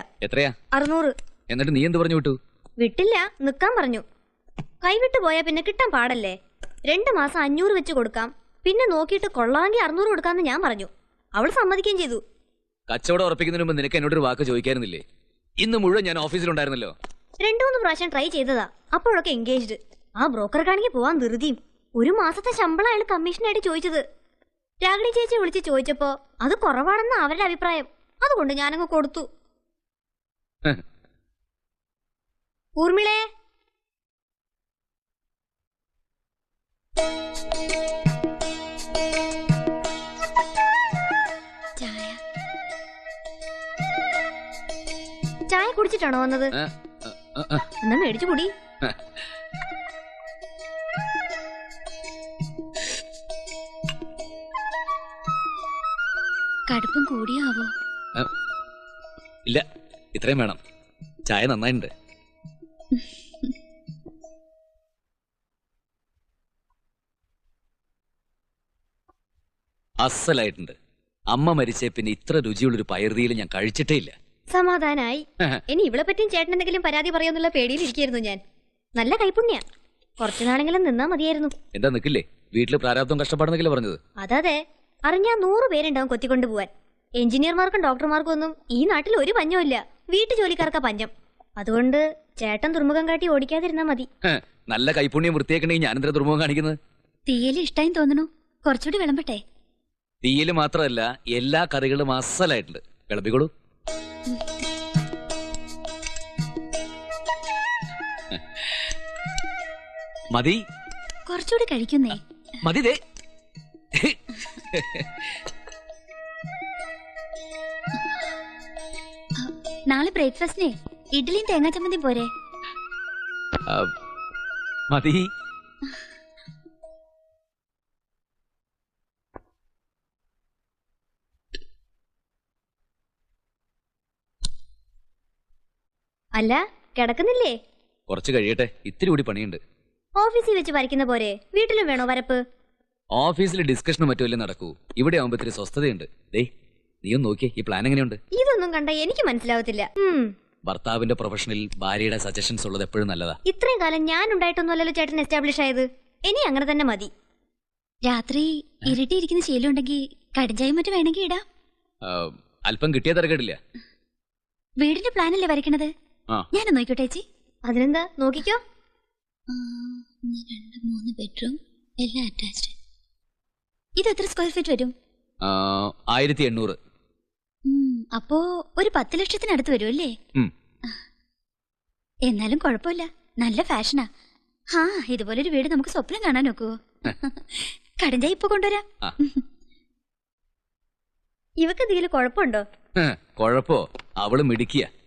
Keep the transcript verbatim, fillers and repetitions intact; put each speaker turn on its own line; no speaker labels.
എത്രയാ?
അറുന്നൂറ്.
എന്നിട്ട് നീ എന്ത് പറഞ്ഞു വിട്ടു?
വിട്ടില്ല, നിക്കാൻ പറഞ്ഞു. കൈവിട്ട് പോയാ പിന്നെ കിട്ടാൻ പാടല്ലേ. രണ്ടു മാസം അഞ്ഞൂറ് വെച്ച് കൊടുക്കാം, പിന്നെ നോക്കിയിട്ട് കൊള്ളാമെങ്കിൽ അറുന്നൂറ് കൊടുക്കാന്ന് ഞാൻ പറഞ്ഞു. അവൾ സമ്മതിക്കുകയും ചെയ്തു.
കച്ചവടം ഉറപ്പിക്കുന്നതിന് മുമ്പ് നിനക്ക് എന്നോടൊരു വാക്ക് ചോദിക്കായിരുന്നില്ലേ? ഇന്ന് മുഴുവൻ ഞാൻ ഓഫീസിലുണ്ടായിരുന്നല്ലോ.
രണ്ടു മൂന്ന് പ്രാവശ്യം ട്രൈ ചെയ്തതാ, അപ്പോഴൊക്കെ എൻഗേജ്ഡ്. ആ ബ്രോക്കർക്കാണെങ്കിൽ പോവാൻ ധൃതിയും. ഒരു മാസത്തെ ശമ്പളം അയാൾ കമ്മീഷനായിട്ട് ചോദിച്ചത്. രാഗിണി ചേച്ചി വിളിച്ച് ചോദിച്ചപ്പോ അത് കുറവാണെന്ന് അവരുടെ അഭിപ്രായം. അതുകൊണ്ട് ഞാനങ്ങ് കൊടുത്തു. ഊർമിളേ, ചായ ചായ കുടിച്ചിട്ടാണോ വന്നത്? എന്നാ മേടിച്ചു കുടി. കടുപ്പം കൂടിയാവോ?
ഇല്ല, ഇത്രയും വേണം. ചായ നന്നായിട്ടുണ്ട്. അസലായിട്ടുണ്ട്. അമ്മ മരിച്ചേ പിന്നെ ഇത്ര രുചിയുള്ളൊരു പയർതിയിൽ ഞാൻ കഴിച്ചിട്ടേ ഇല്ല.
സമാധാനായി. ഇനി ഇവളെ പറ്റിയും ചേട്ടൻ എന്തെങ്കിലും പരാതി പറയുമെന്നുള്ള പേടിയിലിരിക്കുന്നു ഞാൻ. നല്ല കൈപുണ്യ. കുറച്ചുനാളെങ്കിലും നിന്നാ മതിയായിരുന്നു.
എന്താ നിക്കില്ലേ? വീട്ടില് പ്രാരാബ്ദം കഷ്ടപ്പാടെന്നൊക്കെ പറഞ്ഞത്.
അതെ, അറിഞ്ഞാ നൂറ് പേരുണ്ടാവും കൊത്തിക്കൊണ്ടു പോവാൻ. എഞ്ചിനീയർമാർക്കും ഡോക്ടർമാർക്കും ഒന്നും ഈ നാട്ടിൽ ഒരു പഞ്ഞമില്ല. വീട്ടു ജോലിക്കാർക്കാ പഞ്ഞം. അതുകൊണ്ട് ചേട്ടൻ ദുർമുഖം കാട്ടി ഓടിക്കാതിരുന്നാ മതി.
നല്ല കൈപുണ്യം വൃത്തിയാക്കണെങ്കിൽ ഞാനെന്താ ദുർമുഖം കാണിക്കുന്നത്?
തീയല് ഇഷ്ടായി തോന്നുന്നു. കുറച്ചുകൂടി വിളമ്പട്ടെ?
തീയല് മാത്രമല്ല, എല്ലാ കറികളും അസലായിട്ടുണ്ട്. വിളമ്പിക്കോളൂ. മതി,
കുറച്ചുകൂടി കഴിക്കുന്നേ.
മതി. ദേ
നാളെ ബ്രേക്ക്ഫാസ്റ്റിനെ ഇഡ്ഡലിയും തേങ്ങാ ചമ്മന്തി പോരെ?
മതി. അല്ല, കിടക്കുന്നില്ലേ? കുറച്ച് കഴിയട്ടെ, ഇത്തിരി കൂടി പണിയുണ്ട്.
ഓഫീസിൽ വെച്ച് വരയ്ക്കുന്ന പോരെ വീട്ടിലും വേണോ വരപ്പ്?
ഓഫീസിൽ ഡിസ്കഷനും മറ്റുമല്ലേ നടക്കൂ. ഇവിടെ ആവുമ്പോ ഇത്തിരി സ്വസ്ഥതയുണ്ട്. ദേ, നീയും നോക്കിയേ, ഈ പ്ലാൻ എങ്ങനെയുണ്ട്?
ഇതൊന്നും കണ്ട എനിക്ക് മനസ്സിലാവത്തില്ല.
ഭർത്താവിന്റെ പ്രൊഫഷനിൽ ഭാര്യയുടെ സജഷൻസ് ഉള്ളത് എപ്പോഴും നല്ലതാ.
ഇത്രയും കാലം ഞാൻ ഉണ്ടായിട്ടൊന്നുമല്ലല്ലോ ചേട്ടൻ എസ്റ്റാബ്ലിഷ് ആയത്. ഇനി അങ്ങനെ തന്നെ മതി. രാത്രി ഇരുട്ടിയിരിക്കുന്ന ശീലം ഉണ്ടെങ്കിൽ കടിഞ്ചായും മറ്റും വേണമെങ്കിൽ ഇടാം.
അല്പം കിട്ടിയ തിരക്കേടില്ല.
വീടിന്റെ പ്ലാനല്ലേ വരയ്ക്കണത്? ഞാൻ നോക്കിക്കോട്ടെ ചേച്ചി. അതിനെന്താ, നോക്കിക്കോ. രണ്ട് മൂന്ന് ബെഡ്റൂം, എല്ലാം അറ്റാച്ച്ഡ്. ഇത് എത്ര സ്ക്വയർ ഫീറ്റ് വരും?
ആയിരത്തി എണ്ണൂറ്.
അപ്പോ ഒരു പത്ത് ലക്ഷത്തിനടുത്ത് വരും അല്ലേ? എന്നാലും കുഴപ്പമില്ല, നല്ല ഫാഷനാ. ഹാ, ഇതുപോലൊരു വീട് നമുക്ക് സ്വപ്നം കാണാൻ നോക്കുവോ? കടഞ്ചായി ഇപ്പൊ കൊണ്ടുവരാം.
ഇവക്ക് എന്തെങ്കിലും കുഴപ്പമുണ്ടോ? കുഴപ്പോ? അവള് മിടിക്കുക.